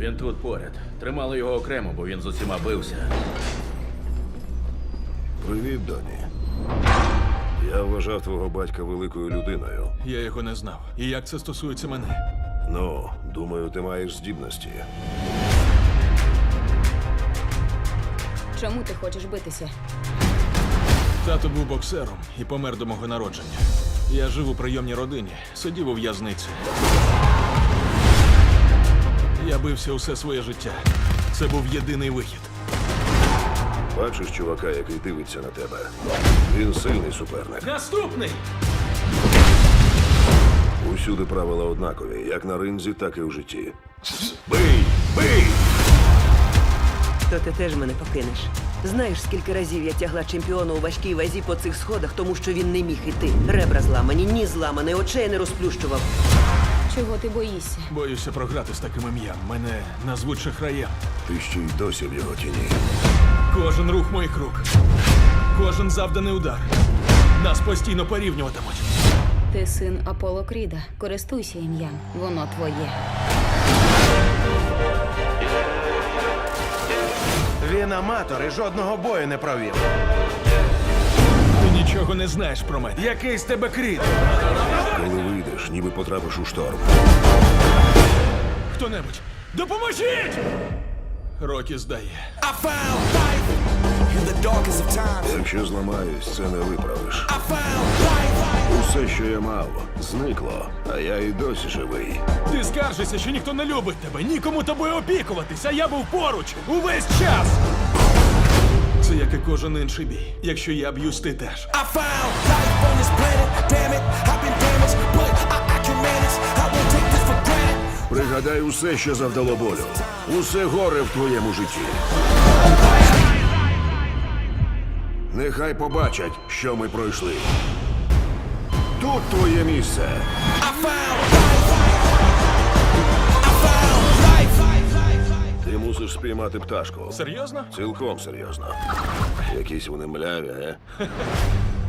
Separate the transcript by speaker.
Speaker 1: Він тут поряд. Тримали його окремо, бо він з усіма бився.
Speaker 2: Привіт, Доні. Я вважав твого батька великою людиною.
Speaker 3: Я його не знав. І як це стосується мене?
Speaker 2: Ну, думаю, ти маєш здібності.
Speaker 4: Чому ти хочеш битися?
Speaker 3: Тато був боксером і помер до мого народження. Я жив у прийомній родині, сидів у в'язниці. Я бився усе своє життя. Це був єдиний вихід.
Speaker 2: Бачиш чувака, який дивиться на тебе? Він сильний суперник.
Speaker 3: Наступний!
Speaker 2: Усюди правила однакові, як на ринзі, так і в житті. Бий! Бий!
Speaker 5: То ти теж мене покинеш. Знаєш, скільки разів я тягла чемпіона у важкій вазі по цих сходах, тому що він не міг іти. Ребра зламані, ніс зламаний, очей не розплющував.
Speaker 4: Чого ти боїшся?
Speaker 3: Боюся програти з таким ім'ям. Мене назвуть шахраєм.
Speaker 2: Ти ще й досі в його тіні.
Speaker 3: Кожен рух моїх рук, кожен завданий удар. Нас постійно порівнюватимуть.
Speaker 4: Ти син Аполло Кріда. Користуйся ім'ям. Воно твоє.
Speaker 6: Він аматор і жодного бою не провів.
Speaker 3: Ти нічого не знаєш про мене.
Speaker 6: Який з тебе кріт?
Speaker 2: Коли вийдеш, ніби потрапиш у шторм.
Speaker 3: Хто-небудь, допоможіть! Рокі здає.
Speaker 7: I found life in the darkest of times.
Speaker 2: Якщо зламаюсь, це не виправиш.
Speaker 7: I found life.
Speaker 2: Усе, що я мав, зникло, а я і досі живий.
Speaker 3: Ти скаржишся, що ніхто не любить тебе, нікому тобою опікуватись, а я був поруч увесь час. Це як і кожен інший бій. Якщо я б'юсь, ти теж.
Speaker 7: I found life on this planet. Damn it, I've been damaged, but I can manage. I won't take this for granted.
Speaker 2: Пригадай усе, що завдало болю. Усе горе в твоєму житті. Нехай побачать, що ми пройшли. Тут твоє місце.
Speaker 7: I found life. I found life.
Speaker 2: Ти мусиш спіймати пташку.
Speaker 3: Серйозно?
Speaker 2: Цілком серйозно. Якісь вони мляві,